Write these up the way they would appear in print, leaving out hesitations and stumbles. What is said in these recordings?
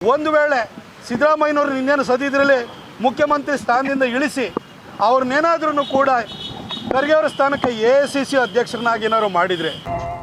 ಒಂದು ವೇಳೆ ಸಿದ್ದರಾಮಯ್ಯನವರು ಇನ್ನೇನು ಸದಿದ್ರಲ್ಲಿ ಮುಖ್ಯಮಂತ್ರಿ ಸ್ಥಾನದಿಂದ ಇಳಿಸಿ ಅವ್ರನ್ನೇನಾದ್ರೂ ಕೂಡ ಖರ್ಗೆ ಅವರ ಸ್ಥಾನಕ್ಕೆ AICC ಅಧ್ಯಕ್ಷರನ್ನಾಗಿ ಏನಾದ್ರು ಮಾಡಿದರೆ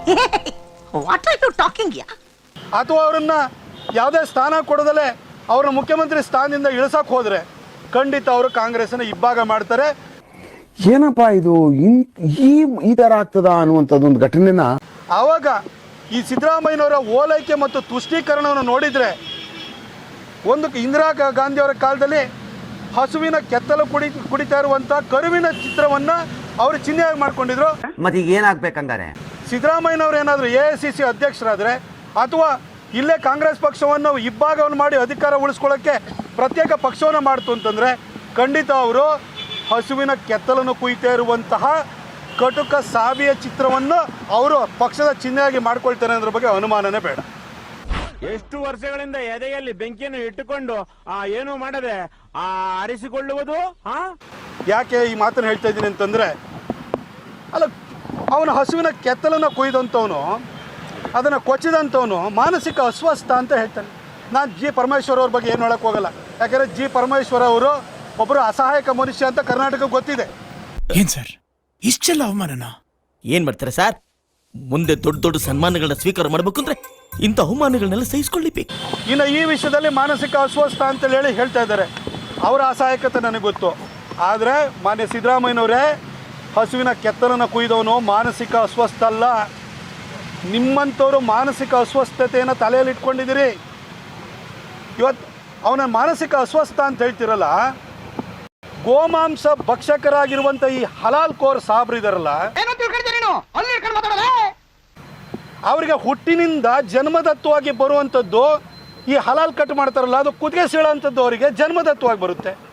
ಅಥವಾ ಅವರನ್ನ ಯಾವುದೇ ಸ್ಥಾನ ಕೊಡದಲೇ ಅವ್ರನ್ನ ಮುಖ್ಯಮಂತ್ರಿ ಸ್ಥಾನದಿಂದ ಇಳಿಸಕ್ಕೆ ಹೋದರೆ ಖಂಡಿತ ಅವರು ಕಾಂಗ್ರೆಸ್ನ ಇಬ್ಬಾಗ ಮಾಡ್ತಾರೆ. ಏನಪ್ಪ ಇದು ಈ ಥರ ಆಗ್ತದ ಅನ್ನುವಂಥದ್ದೊಂದು ಘಟನೆನ ಆವಾಗ ಈ ಸಿದ್ದರಾಮಯ್ಯನವರ ಓಲೈಕೆ ಮತ್ತು ತುಷ್ಟೀಕರಣವನ್ನು ನೋಡಿದರೆ ಒಂದು ಇಂದಿರಾ ಗಾಂಧಿಯವರ ಕಾಲದಲ್ಲಿ ಹಸುವಿನ ಕೆತ್ತಲು ಕುಡಿತಾ ಇರುವಂಥ ಕರುವಿನ ಚಿತ್ರವನ್ನು ಅವರು ಚಿಹ್ನೆಯಾಗಿ ಮಾಡ್ಕೊಂಡಿದ್ರು. ಮತ್ತೆ ಈಗ ಏನಾಗಬೇಕಂಗಾರೆ ಸಿದ್ದರಾಮಯ್ಯನವರು ಏನಾದರೂ AICC ಅಧ್ಯಕ್ಷರಾದರೆ ಅಥವಾ ಇಲ್ಲೇ ಕಾಂಗ್ರೆಸ್ ಪಕ್ಷವನ್ನು ಇಬ್ಬಾಗವನ್ನು ಮಾಡಿ ಅಧಿಕಾರ ಉಳಿಸ್ಕೊಳ್ಳೋಕ್ಕೆ ಪ್ರತ್ಯೇಕ ಪಕ್ಷವನ್ನು ಮಾಡ್ತು ಅಂತಂದರೆ ಖಂಡಿತ ಅವರು ಹಸುವಿನ ಕೆತ್ತಲನ್ನು ಕುಯ್ತಾ ಇರುವಂತಹ ಕಟುಕ ಸಾವಿಯ ಚಿತ್ರವನ್ನು ಅವರು ಪಕ್ಷದ ಚಿಹ್ನೆಯಾಗಿ ಮಾಡ್ಕೊಳ್ತಾರೆ ಅನ್ನೋದ್ರ ಬಗ್ಗೆ ಅನುಮಾನನೇ ಬೇಡ. ಎಷ್ಟು ವರ್ಷಗಳಿಂದ ಎದೆಯಲ್ಲಿ ಬೆಂಕಿಯನ್ನು ಇಟ್ಟುಕೊಂಡು ಏನು ಮಾಡದೆ ಆರಿಸಿಕೊಳ್ಳುವುದು. ಯಾಕೆ ಈ ಮಾತನ್ನು ಹೇಳ್ತಾ ಇದ್ದೀನಿ ಅಂತಂದರೆ, ಅಲ್ಲ, ಅವನ ಹಸುವಿನ ಕೆತ್ತಲನ್ನು ಕೊಯ್ದಂಥವನು, ಅದನ್ನು ಕೊಚ್ಚಿದಂಥವನು ಮಾನಸಿಕ ಅಸ್ವಸ್ಥ ಅಂತ ಹೇಳ್ತಾನೆ. ನಾನು G. ಪರಮೇಶ್ವರ್ ಅವ್ರ ಬಗ್ಗೆ ಏನು ಹೇಳಕ್ಕೆ ಹೋಗಲ್ಲ. ಯಾಕಂದರೆ G. ಪರಮೇಶ್ವರ್ ಅವರು ಒಬ್ಬರು ಅಸಹಾಯಕ ಮನುಷ್ಯ ಅಂತ ಕರ್ನಾಟಕಕ್ಕೆ ಗೊತ್ತಿದೆ. ಏನ್ ಸರ್ ಇಷ್ಟೆಲ್ಲ ಅವಮಾನನ ಏನ್ ಮಾಡ್ತಾರೆ ಸರ್? ಮುಂದೆ ದೊಡ್ಡ ದೊಡ್ಡ ಸನ್ಮಾನಗಳನ್ನ ಸ್ವೀಕಾರ ಮಾಡಬೇಕು ಅಂದ್ರೆ ಇಂಥ ಅವಮಾನಗಳನ್ನೆಲ್ಲ ಸಹಿಸ್ಕೊಳ್ಳಿಬೇಕು. ಇನ್ನು ಈ ವಿಷಯದಲ್ಲಿ ಮಾನಸಿಕ ಅಸ್ವಸ್ಥ ಅಂತೇಳಿ ಹೇಳ್ತಾ ಇದ್ದಾರೆ. ಅವರ ಅಸಹಾಯಕತೆ ನನಗೆ ಗೊತ್ತು. ಆದರೆ ಮಾನ್ಯ ಸಿದ್ದರಾಮಯ್ಯನವರೇ, ಹಸುವಿನ ಕೆತ್ತಲನ್ನು ಕುಯ್ದವನು ಮಾನಸಿಕ ಅಸ್ವಸ್ಥ ಅಲ್ಲ. ನಿಮ್ಮಂಥವ್ರು ಮಾನಸಿಕ ಅಸ್ವಸ್ಥತೆಯನ್ನು ತಲೆಯಲ್ಲಿ ಇಟ್ಕೊಂಡಿದ್ದೀರಿ. ಇವತ್ತು ಅವನ ಮಾನಸಿಕ ಅಸ್ವಸ್ಥ ಅಂತ ಹೇಳ್ತಿರಲ್ಲ, ಗೋಮಾಂಸ ಭಕ್ಷಕರಾಗಿರುವಂಥ ಈ ಹಲಾಲ್ ಕೋರ್ ಸಾಬ್ರಿದಾರಲ್ಲ, ಅವರಿಗೆ ಹುಟ್ಟಿನಿಂದ ಜನ್ಮದತ್ವವಾಗಿ ಬರುವಂಥದ್ದು ಈ ಹಲಾಲ್ ಕಟ್ ಮಾಡ್ತಾರಲ್ಲ, ಅದು ಕುತ್ತಿಗೆ ಸೀಳೋಂಥದ್ದು ಅವರಿಗೆ ಜನ್ಮದತ್ವವಾಗಿ ಬರುತ್ತೆ.